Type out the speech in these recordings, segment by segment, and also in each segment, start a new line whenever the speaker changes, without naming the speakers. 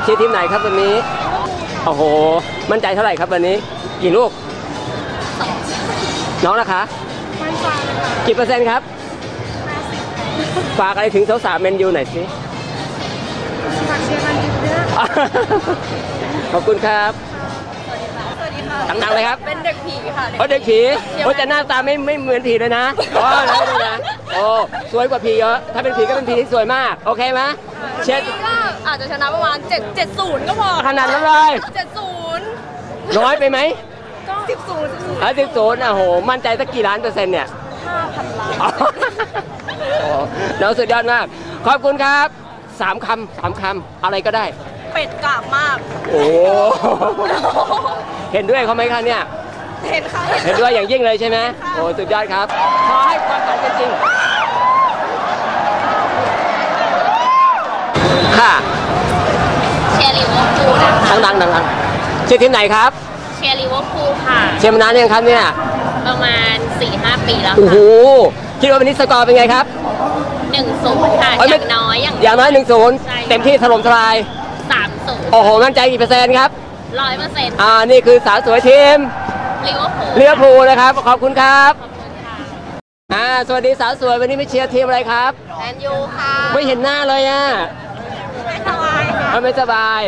เชียร์ทีมไหนครับวันนี้โอ้โหมั่นใจเท่าไหร่ครับวันนี้กี่ลูกน้องนะคะกี่เปอร์เซ็นต์ครับฝากอะไรถึงสาวๆแมนยูหน่อยสิฝากเชียร์แมนยูเยอะขอบคุณครับดังๆเลยครับเป็นเด็กผีค่ะเด็กผีแต่หน้าตาไม่เหมือนผีเลยนะนะโอ้สวยกว่าผีเยอะถ้าเป็นผีก็เป็นผีที่สวยมากโอเคไหมเชียร์
ก็อาจจะชนะประมาณ7-0ก็พอ
ขนาดนั้นเลย
7-0
น้อยไปไหม
ก็10-0
10-0โอ้โหมั่นใจสักกี่ล้านเปอร์เซ็นต์เนี่ย
5,000 ล้าน
น้องสุดยอดมากขอบคุณครับ3 คำอะไรก็ได้
เป็ดกราบมาก
โอ้เห็นด้วยเขาไหมคะเนี่ย
เห็นค่ะ
เห็นด้วยอย่างยิ่งเลยใช่ไหมโอ้สุดยอดครับขอให้ความฝันเป็นจริงค่ะ
เชียร์ลิเวอร์พูลนะคะ
ดังเชียร์ทีมไหนครับ
เชียร์ลิเวอร์พูลค่ะ
เชียร์มานานยังครับเนี่ย
ประมาณ 4-5 ปีแล้ว
โอ้โหคิดว่าวันนี้สกอร์เป็นไงครับ
1-0ค่ะอย่างน้อย
1-0เต็มที่ถล่มทลาย
3-0
โอ้โหมั่นใจกี่เปอร์เซ็นต์ครับ
100%
นี่คือสาวสวยทีม
ลิเวอ
ร์พูลนะครับขอบคุณครับสวัสดีสาวสวยวันนี้ไม่เชียร์ทีมอะไรครับ
แมนยูค่ะ
ไม่เห็นหน้าเลย
ไม่สบายค่ะ
ไม่สบาย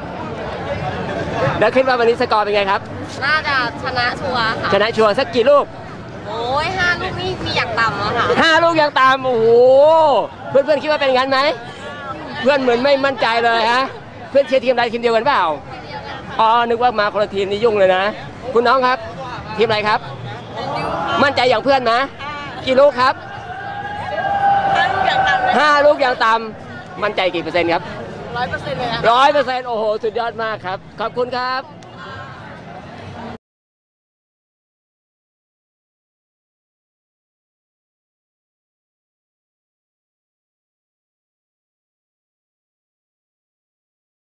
แล้วคิดว่าวันนี้สกอร์เป็นไงครับ
น่าจะชนะชัวร์ค่ะ
ชนะชัวร์สักกี่ลูก
โอ้ย5 ลูกนี่มีอย่างต่ำอะค่ะ
5 ลูกอย่างต่ำโอ้โหเพื่อนคิดว่าเป็นงั้นไหมเพื่อนเหมือนไม่มั่นใจเลยฮะเพื่อนเชียร์ทีมใดทีมเดียวกันเปล่านึกว่ามาคนละทีมนี่ยุ่งเลยนะคุณน้องครับทีมอะไรครับมั่นใจอย่างเพื่อนนะกี่ลูกครับ5 ลูกอย่างต่ำมั่นใจกี่เปอร์เซ็นต์ครับ
100%เลย
100%โอ้โหสุดยอดมากครับขอบคุณครับ